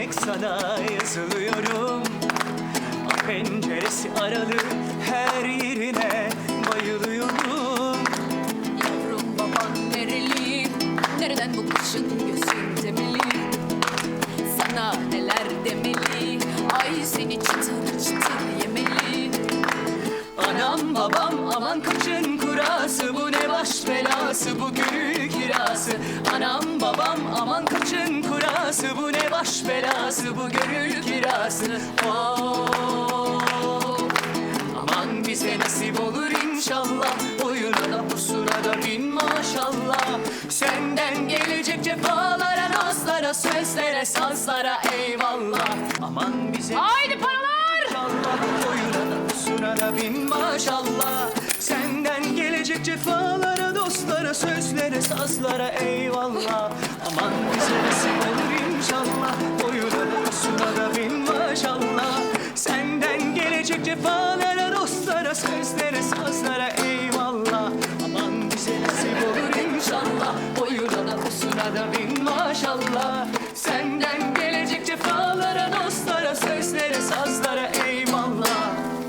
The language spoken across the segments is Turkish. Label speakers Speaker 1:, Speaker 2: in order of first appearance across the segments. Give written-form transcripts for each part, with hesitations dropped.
Speaker 1: demek sana yazılıyorum. Penceresi aralı her yerine bayılıyorum.
Speaker 2: Yavrum baban nereli? Nereden bu kuşun gözün temeli? Sana neler demeli? Ay seni çıtır çıtır yemeli.
Speaker 1: Anam babam aman kaçın kurası, bu ne baş belası, bu gönül kirası. Anam babam aman kaçın kurası, bu ne baş belası, bu gönül kirası. Oh, aman bize nasip olur inşallah, oyuna da pusuna da bin maşallah. Senden gelecek cefalara, nazlara, sözlere, sazlara eyvallah. Aman bize
Speaker 2: Haydi paralar!
Speaker 1: inşallah, oyuna da pusuna da bin maşallah. Senden gelecek cefalara, dostlara, sözlere, sazlara eyvallah. Aman bize nasip olur inşallah, oyuna da pusuna da bin maşallah. Senden gelecek cefalara, dostlara, sözlere, sazlara eyvallah. Aman bize nasip olur inşallah, oyuna da pusuna da bin maşallah. Senden gelecek cefalara, dostlara, sözlere, sazlara eyvallah.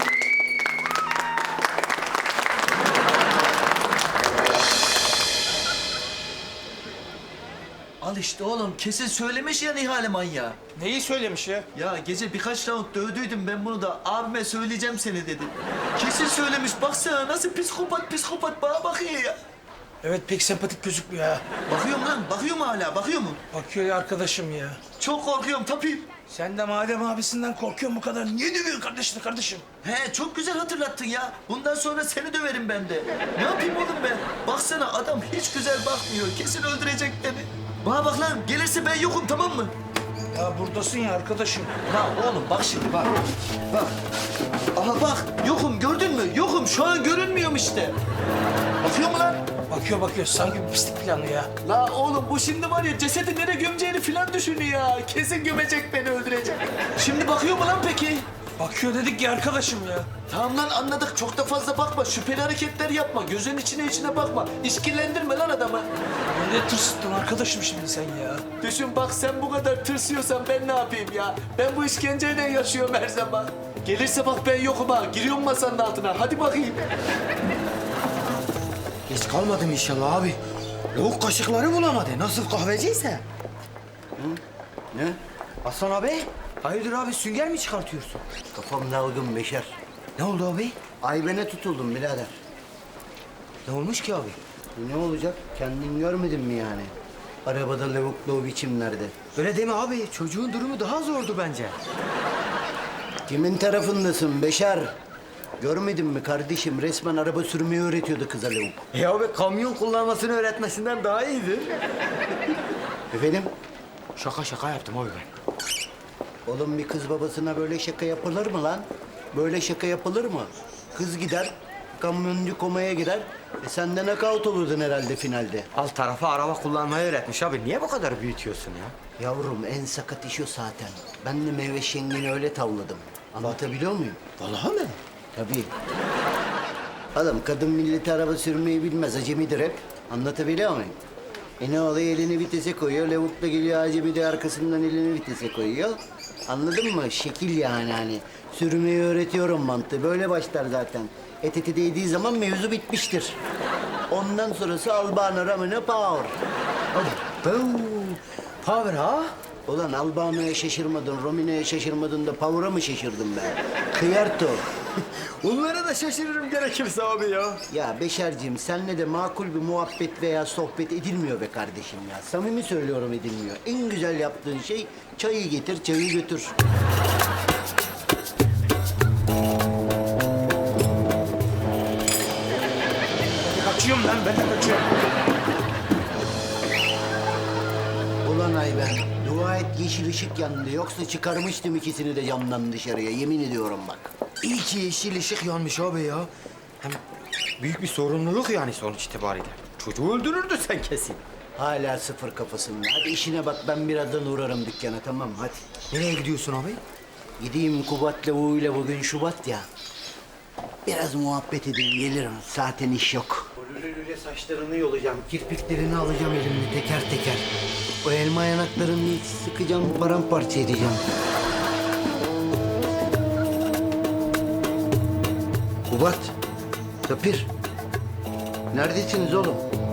Speaker 3: Al işte oğlum, kesin söylemiş ya Nihale manyağı.
Speaker 4: Neyi söylemiş ya?
Speaker 3: Ya gece birkaç round dövdüydüm ben bunu da, abime söyleyeceğim seni dedi. Kesin söylemiş, baksana nasıl psikopat bana bakıyor ya.
Speaker 4: Evet pek sempatik gözükmüyor ha.
Speaker 3: Bakıyorum lan, bakıyor mu hala, bakıyor mu?
Speaker 4: Bakıyor ya arkadaşım ya.
Speaker 3: Çok korkuyorum tapayım.
Speaker 4: Sen de madem abisinden korkuyorsun bu kadar niye dövüyorsun kardeşim?
Speaker 3: He, çok güzel hatırlattın ya. Bundan sonra seni döverim ben de. Ne yapayım oğlum ben? Baksana adam hiç güzel bakmıyor, kesin öldürecek beni. Bana bak lan, gelirse ben yokum, tamam mı?
Speaker 4: Ya buradasın ya arkadaşım.
Speaker 3: Lan oğlum bak şimdi bak. Bak. Aha bak, yokum, gördün mü? Yokum, şu an görünmüyorum işte. Bakıyor mu lan?
Speaker 4: Bakıyor sanki bir pislik planı ya.
Speaker 3: La oğlum bu şimdi var ya, cesedi nereye gömeceğini filan düşünüyor ya. Kesin gömecek, beni öldürecek. Şimdi bakıyor mu lan peki?
Speaker 4: Bakıyor dedik ya arkadaşım ya.
Speaker 3: Tamam lan, anladık. Çok da fazla bakma. Şüpheli hareketler yapma. Gözün içine bakma. İşkillendirme lan adamı.
Speaker 4: Ne tırsıttın arkadaşım şimdi sen ya.
Speaker 3: Düşün bak, sen bu kadar tırsıyorsan ben ne yapayım ya? Ben bu işkenceyle yaşıyorum her zaman. Gelirse bak ben yokum ha. Giriyorum masanın altına. Hadi bakayım.
Speaker 5: Geç kalmadım inşallah abi. Lavuk kaşıkları bulamadı. Nasıl kahveciyse.
Speaker 6: Ne?
Speaker 5: Aslan abi. Hayırdır abi, sünger mi çıkartıyorsun?
Speaker 6: Kafam dalgın Beşer.
Speaker 5: Ne oldu abi?
Speaker 6: Ayben'e tutuldum birader.
Speaker 5: Ne olmuş ki abi?
Speaker 6: Ne olacak? Kendin görmedin mi yani? Arabada lavuklu o biçimlerde.
Speaker 5: Öyle deme abi. Çocuğun durumu daha zordu bence.
Speaker 6: Kimin tarafındasın Beşer? Görmedin mi kardeşim? Resmen araba sürmeyi öğretiyordu kıza lavuk.
Speaker 5: Ya abi, kamyon kullanmasını öğretmesinden daha iyiydi.
Speaker 6: Efendim?
Speaker 5: Şaka yaptım abi ben.
Speaker 6: Oğlum bir kız babasına böyle şaka yapılır mı lan? Böyle şaka yapılır mı? Kız gider, kamyoncu komaya girer. Sen de knockout olurdun herhalde finalde.
Speaker 5: Alt tarafa araba kullanmayı öğretmiş abi. Niye bu kadar büyütüyorsun ya?
Speaker 6: Yavrum en sakat iş o zaten. Ben de meyve şengeni öyle tavladım. Anlatabiliyor muyum?
Speaker 5: Vallahi mi?
Speaker 6: Tabii. Adam kadın milleti araba sürmeyi bilmez. Acemidir hep. Anlatabiliyor muyum? Ne oluyor? Elini vitese koyuyor. Lavuk da geliyor, acemi de arkasından elini vitese koyuyor. Anladın mı? Şekil yani hani. Sürmeyi öğretiyorum mantığı. Böyle başlar zaten. Eti değdiği zaman mevzu bitmiştir. Ondan sonrası Albano Ramino Power.
Speaker 5: Power ha?
Speaker 6: Ulan Albano'ya şaşırmadın, Romino'ya şaşırmadın da Power'a mı şaşırdın be? Kıyarto.
Speaker 5: Onlara da şaşırırım gerekirse abi ya.
Speaker 6: Ya Beşerciğim, senle de makul bir muhabbet veya sohbet edilmiyor be kardeşim ya. Samimi söylüyorum, edilmiyor. En güzel yaptığın şey çayı getir, çayı götür.
Speaker 4: Kaçıyorum lan ben de kaçıyorum.
Speaker 6: Ulan Ayben, dua et yeşil ışık yandı. Yoksa çıkarmıştım ikisini de camdan dışarıya. Yemin ediyorum bak.
Speaker 5: İyi ki yeşil ışık yanmış abi ya. Hem büyük bir sorumluluk yani sonuç itibariyle. Çocuğu öldürürdü sen kesin.
Speaker 6: Hala sıfır kafasında. Hadi işine bak, ben birazdan uğrarım dükkana, tamam hadi.
Speaker 5: Nereye gidiyorsun abi?
Speaker 6: Gideyim Kubat lavuğuyla, bugün Şubat ya. Biraz muhabbet edeyim, gelirim. Zaten iş yok. Lüle saçlarını yolacağım, kirpiklerini alacağım elimle teker teker. O elma yanaklarını bir sıkacağım, paramparça edeceğim. Kubat, Tapir. Neredesiniz oğlum?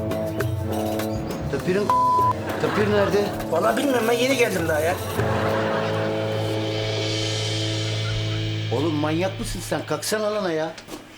Speaker 6: Tapir nerede?
Speaker 4: Vallahi bilmiyorum, ben yeni geldim daha ya.
Speaker 6: Oğlum manyak mısın sen? Kalksana lan ya.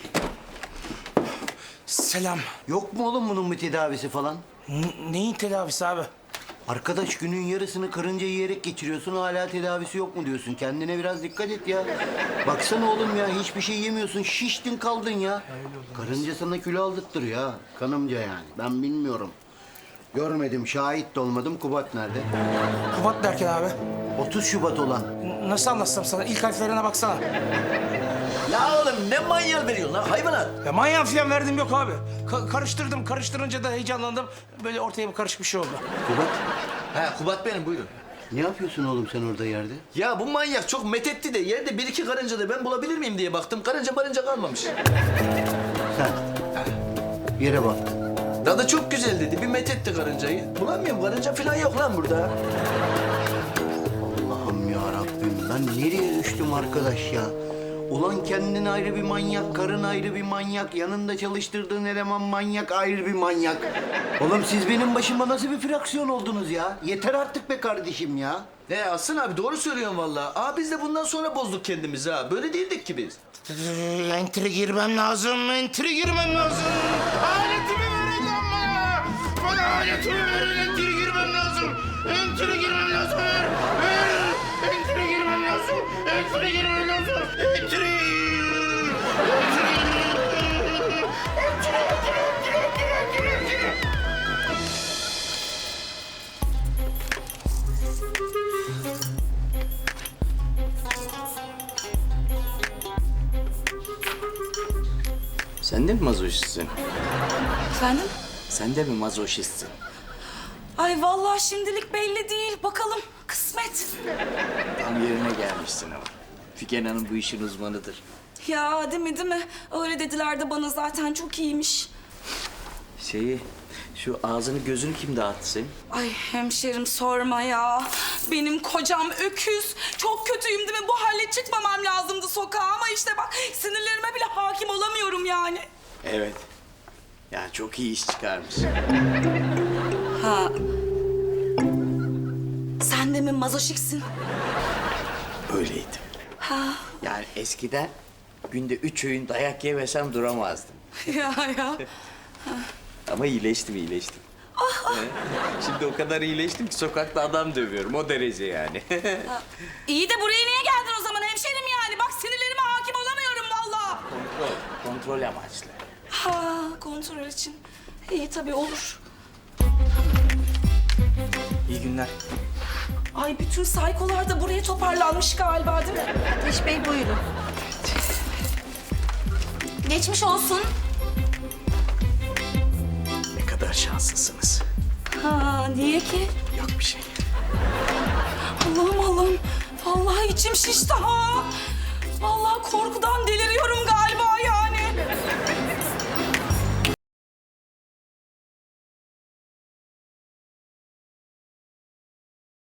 Speaker 4: Selam.
Speaker 6: Yok mu oğlum bunun bir tedavisi falan?
Speaker 4: Neyin tedavisi abi?
Speaker 6: Arkadaş günün yarısını karınca yiyerek geçiriyorsun, hala tedavisi yok mu diyorsun? Kendine biraz dikkat et ya. Baksana oğlum ya, hiçbir şey yemiyorsun, şiştin kaldın ya. Karınca sana kilo aldırttırıyor ha, kanımca yani. Ben bilmiyorum. Görmedim, şahit de olmadım. Kubat nerede?
Speaker 4: Kubat derken abi.
Speaker 6: 30 Şubat olan.
Speaker 4: Nasıl anlatsam sana? İlk harflerine baksana.
Speaker 3: Ya oğlum ne manyal veriyorsun lan hayvanat?
Speaker 4: Ya manyak falan verdim yok abi. Karıştırdım, karıştırınca da heyecanlandım. Böyle ortaya bir karışık bir şey oldu.
Speaker 6: Kubat,
Speaker 3: He Kubat benim buyurun.
Speaker 6: ne yapıyorsun oğlum sen orada yerde?
Speaker 3: Ya bu manyak çok methetti de yerde bir iki karınca da ben bulabilir miyim diye baktım. Karınca kalmamış.
Speaker 6: Sen, yere bak.
Speaker 3: Tadı çok güzel dedi. Bir methetti karıncayı. Bulamıyorum karınca falan yok lan burada.
Speaker 6: Allah'ım ya Rabbim, ben nereye düştüm arkadaş ya? Ulan kendin ayrı bir manyak, karın ayrı bir manyak, yanında çalıştırdığın eleman manyak, ayrı bir manyak. Oğlum siz benim başıma nasıl bir fraksiyon oldunuz ya? Yeter artık be kardeşim ya.
Speaker 3: Aslan abi doğru söylüyorsun vallahi. Biz de bundan sonra bozduk kendimizi ha. Böyle değildik ki biz.
Speaker 4: Entry girmem lazım, entry girmem lazım. Aletimi verin lan bana. Bana aletimi verin, entry girmem lazım. Entry girmem lazım. Ver. Entry girmem lazım. Entry girmem lazım. Entry.
Speaker 1: Sen de mi mazoşistsin?
Speaker 2: Efendim?
Speaker 1: Sen de mi mazoşistsin?
Speaker 2: Ay vallahi şimdilik belli değil. Bakalım kısmet.
Speaker 1: Tam yerine gelmişsin ama. Figen Hanım bu işin uzmanıdır.
Speaker 2: Ya değil mi? Öyle dediler de bana zaten çok iyiymiş.
Speaker 1: Şu ağzını gözünü kim dağıttı senin?
Speaker 2: Ay hemşerim sorma ya. Benim kocam öküz. Çok kötüyüm değil mi? Bu halle çıkmamam lazımdı sokağa ama işte bak sinirlerime bile hakim olamıyorum yani.
Speaker 1: Evet. Ya çok iyi iş çıkarmış.
Speaker 2: Ha. Sen de mi mazoşiksin?
Speaker 1: Öyleydi.
Speaker 2: Ha.
Speaker 1: Yani eskiden günde 3 öğün dayak yemesem duramazdım.
Speaker 2: ya.
Speaker 1: Ama iyileştim. Evet. Şimdi o kadar iyileştim ki sokakta adam dövüyorum. O derece yani.
Speaker 2: İyi de buraya niye geldin o zaman hemşerim yani? Bak sinirlerime hakim olamıyorum vallahi.
Speaker 1: Kontrol amaçlı.
Speaker 2: Ha, kontrol için. İyi tabii olur.
Speaker 4: İyi günler.
Speaker 2: Ay bütün saykolar da buraya toparlanmış galiba değil mi?
Speaker 7: Ateş Bey buyurun. Geçmiş olsun.
Speaker 1: Ne kadar şanslısınız.
Speaker 2: Ha, niye ki?
Speaker 1: Yok bir şey.
Speaker 2: Allah'ım. Vallahi içim şişti ha. Vallahi korkudan deliriyorum galiba yani.